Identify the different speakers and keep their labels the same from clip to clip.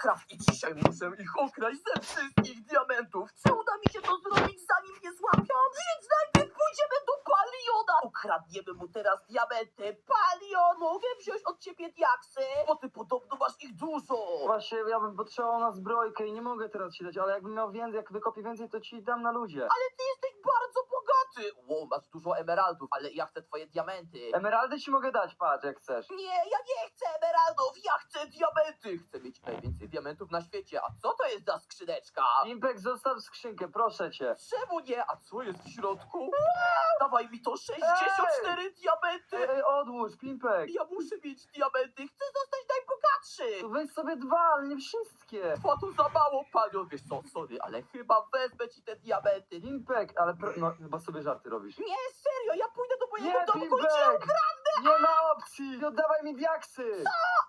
Speaker 1: Minecraft i dzisiaj muszę ich okraść ze wszystkich diamentów. Czy uda mi się to zrobić, zanim mnie złapią? Więc najpierw pójdziemy do Paliona. Ukradniemy mu teraz diamenty. Palion, mogę wziąć od ciebie diaksy? Bo ty podobno masz ich dużo.
Speaker 2: Właśnie, ja bym potrzebował na zbrojkę i nie mogę teraz ci dać, ale jakbym miał więcej, jak wykopię więcej, to ci dam na ludzie.
Speaker 1: Ale ty jesteś bardzo bogaty. Wow, masz dużo emeraldów, ale ja chcę twoje diamenty.
Speaker 2: Emeraldy ci mogę dać, patrz, jak chcesz.
Speaker 1: Nie, ja nie chcę emeraldów, ja chcę diamenty. Chcę mieć najwięcej diamentów na świecie. A co to jest za skrzyneczka?
Speaker 2: Impek, zostaw skrzynkę, proszę cię.
Speaker 1: Czemu nie? A co jest w środku? Dawaj mi to 64 diamenty.
Speaker 2: Odłóż, Pimpek.
Speaker 1: Ja muszę mieć diamenty, chcę zostać najbogatszy.
Speaker 2: To weź sobie dwa, ale nie wszystkie.
Speaker 1: Dwa to za mało, panią. Wiesz co, sorry, ale chyba wezmę ci te diamenty.
Speaker 2: Pimpek, ale no chyba sobie żarty robisz.
Speaker 1: Nie, serio, ja pójdę do mojego
Speaker 2: Nie,
Speaker 1: domku i cię
Speaker 2: Pimpek!
Speaker 1: ukradnę.
Speaker 2: Nie ma opcji! Nie oddawaj mi diaksy!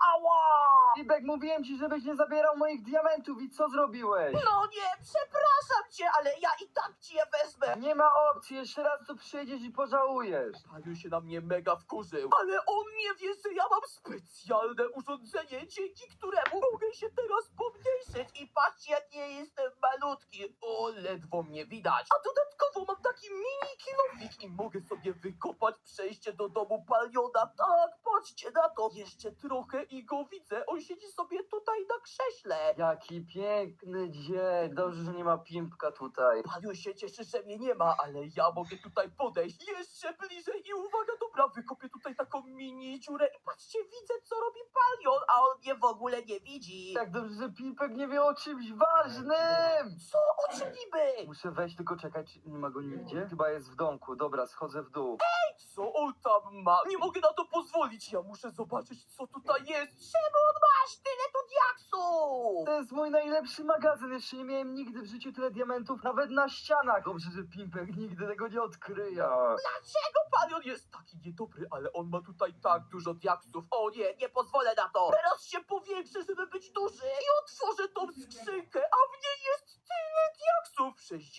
Speaker 1: Ała!
Speaker 2: Pimpek, mówiłem ci, żebyś nie zabierał moich diamentów i co zrobiłeś?
Speaker 1: No nie, przepraszam cię, ale ja i tak ci je wezmę.
Speaker 2: Nie ma opcji, jeszcze raz tu przyjdziesz i pożałujesz.
Speaker 1: Paniu się na mnie mega wkurzył, ale on nie wie, że ja mam specjalne urządzenie, dzięki któremu mogę się teraz pomniejszyć. I patrzcie, jak nie jestem malutki. O, ledwo mnie widać. A dodatkowo mam taki mini kilofik i mogę sobie wykopać przejście do domu Paliona. Tak, patrzcie na to. Jeszcze trochę i go widzę. On siedzi sobie tutaj na krześle.
Speaker 2: Jaki piękny dzień. Dobrze, że nie ma Pimpka tutaj.
Speaker 1: Paniu się cieszy, że mnie nie ma, ale ja mogę tutaj podejść jeszcze bliżej i uwaga, dobra, wykopię tutaj taką mini dziurę i patrzcie, widzę, co robi Palion, a on mnie w ogóle nie widzi.
Speaker 2: Jak dobrze, że Pimpek nie wie o czymś ważnym.
Speaker 1: Co? O czym niby?
Speaker 2: Muszę wejść, tylko czekać, nie ma go nigdzie? Chyba jest w domku, dobra, schodzę w dół.
Speaker 1: Co on tam ma? Nie mogę na to pozwolić, ja muszę zobaczyć, co tutaj jest. Czemu on masz tyle tu diaksów?
Speaker 2: To jest mój najlepszy magazyn, jeszcze nie miałem nigdy w życiu tyle diamentów, nawet na ścianach. Dobrze, że Pimpek nigdy tego nie odkryje.
Speaker 1: Dlaczego Palion jest taki niedobry, ale on ma tutaj tak dużo diaksów? O nie, nie pozwolę na to. Teraz się powiększę, żeby być duży i otworzę tą skrzynkę, a w niej jest tyle diaksów.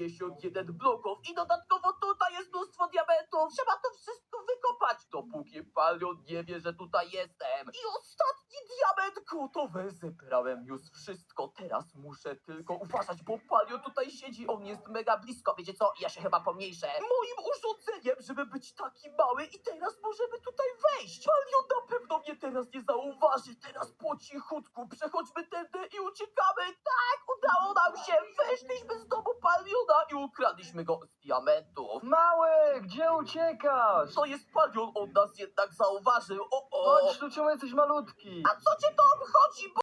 Speaker 1: 61 bloków i dodatkowo tutaj jest mnóstwo diamentów. Trzeba to wszystko wykopać, dopóki Palion nie wie, że tutaj jestem. I ostatni diament gotowe. Zebrałem już wszystko. Teraz muszę tylko uważać, bo Palion tutaj siedzi. On jest mega blisko. Wiecie co? Ja się chyba pomniejszę. Moim urządzeniem, żeby być taki mały i teraz możemy tutaj wejść. Palion na pewno mnie teraz nie zauważy. Teraz po cichutku przechodźmy tędy i uciekamy. Tak, udało nam się. Weszliśmy z domu Paliona i ukradliśmy go z diamentów.
Speaker 2: Mały, gdzie uciekasz?
Speaker 1: To jest Palion, on nas jednak zauważył. O, o.
Speaker 2: Chodź tu, czemu jesteś malutki?
Speaker 1: A co cię to obchodzi?